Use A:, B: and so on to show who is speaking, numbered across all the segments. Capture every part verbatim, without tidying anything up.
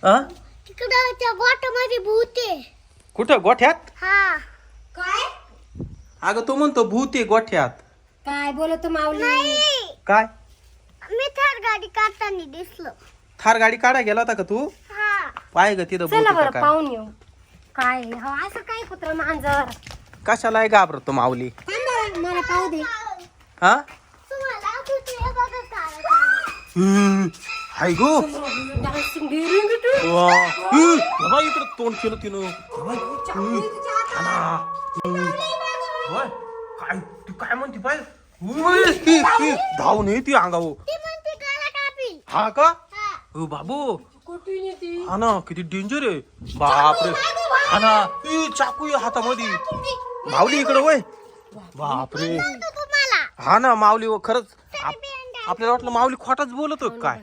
A: आ
B: तिकडं त्या गोठ्यामध्ये भूत आहे.
A: कुठं गोठ्यात?
B: हा
C: काय
A: अगं तू म्हणतो भूत आहे गोठ्यात.
C: काय बोलतो माऊली?
B: नाही,
A: काय
B: मी थार गाडी काढताना दिसलो.
A: थार गाडी काढा गेला होता का तू?
B: हा
A: पाय ग तिथं भूत
C: चला
A: आहे
C: बरं
A: का काय?
C: पाहून येऊ. काय हो असं काय कुत्र मांजर?
A: कशाला आहे घाबरतो माऊली?
C: थांब मला पाहू दे.
A: हा
B: तुम्हाला आठवते हे बघा काय
A: हम्म, हाय गो
C: डान्सिंग डेअरिंग तू.
A: वा हम्म, बाबा इकडं तोंड केलं तिनं बाबा, हम्म, हा ना. हम्म, होय, काय तू काय म्हणते पाय उय, ही, ही, धावून ये ती अंगावर.
B: ती म्हणते काला कापी.
A: हा का
B: हा
A: ओ बाबू
C: कुठून येते?
A: हा ना किती डेंजर आहे बापरे. हा ना ई, चाकू आहे हातामध्ये. माऊली इकडं वय बापरे.
B: तो तुम्हाला
A: हा ना माऊली व खरंच आप- आपल्याला वाटलं माऊली खोटाच बोलतो काय.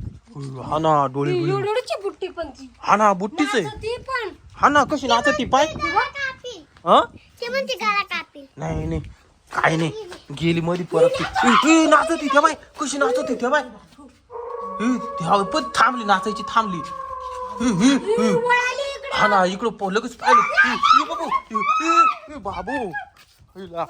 A: हा ना डोळे बिळे.
C: एवढीची बुट्टी पण ती.
A: हा ना बुट्टीच आहे.
C: ती पण
A: हा ना कशी नाचती पाय.
B: काला कापी.
A: हा
B: ती म्हणते काला कापी.
A: नाही नाही काय नाही गेली मध्ये परत ती. ई, ई, नाचती त्या बाय कशी नाचती त्या बाय. ई, त्या पण थांबली नाचायची थांबली. ई, ई, ई.
C: वळाली इकडे.
A: हा ना इकडं प- लगेच पाहिलं. ई, ई, बाबू ई, ई, ई, बाबू हिला.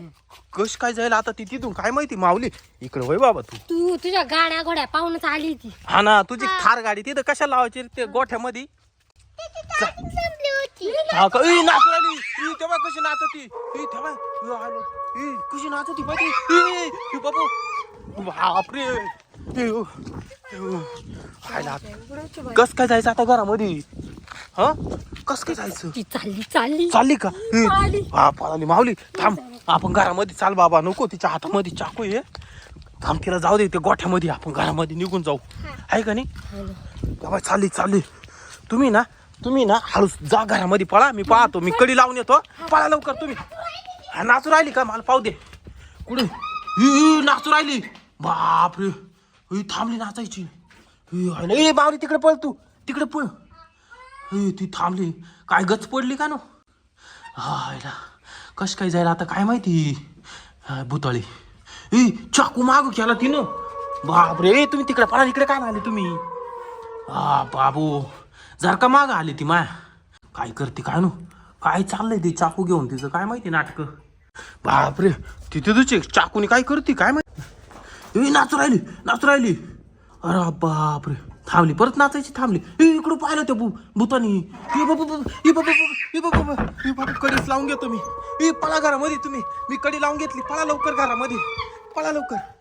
A: कश काय जायला आता ती तिथून काय माहिती माऊली. इकडं वय बाबा तू.
C: तू तुझ्या गाड्या घोड्या पाहूनच आली ती.
A: हा ना तुझी थार गाडी तिथं कशाला लावायची रे ते गोठ्यामध्ये.
B: त्याची चार्जिंग संपली होती.
A: हा का ई नाचू राहिली. ई तेव्हा कशी नाचती. ई तेव्हा ई, आलं. ई कशी नाचती पाहिजे. ई ई, बाबू बापरे. ई, उ, उ, हायला. कस काय जायचं आता घरामध्ये. हा कस काय जायचं.
C: ती चालली चालली
A: चालली का ई,
C: पळाली.
A: हा पळाली माऊली थांब आपण घरामध्ये चाल बाबा नको तिच्या हातामध्ये चाकू आहे. थांब तिला जाऊ दे ते गोठ्यामध्ये आपण घरामध्ये निघून जाऊ आहे का नाही. बाबा चालली चालली तुम्ही ना तुम्ही ना हळू जा घरामध्ये पळा मी पाहतो मी कडी लावून येतो. पळा लवकर तुम्ही. हा नाचू राहिली का मला पाहू दे कुठे. ही, ही, नाचू राहिली बापरे. ही, थांबली नाचायची. ही, हाय ना. ए बावली तिकडे पळ तू तिकडे पळ. ही, ती थांबली काय गच पडली का नो. हायला कश काय जायला आता काय माहिती. हा, भुताळी ए चाकू मागू केला तिनं. बापरे ए, तुम्ही तिकडे पळा इकडे काय आले तुम्ही. हा बाबू जर का माग आली ती माया काय करते काय नो काय चाललंय ते चाकू घेऊन तिचं काय माहिती नाटक. बापरे तिथे तुझे चाकूने काय करते काय माहिती. ए नाचू राहिली नाचू राहिली. अरे बापरे थांबली परत नाचायची थांबली. ए इकडं पाहिलं त्या भू भूतानी. ए बाबा ए बाबा ए बाबा ए बाबा कडीच लावून घेतो मी. ए पळा घरामध्ये तुम्ही मी कडी लावून घेतली. पळा लवकर घरामध्ये पळा लवकर.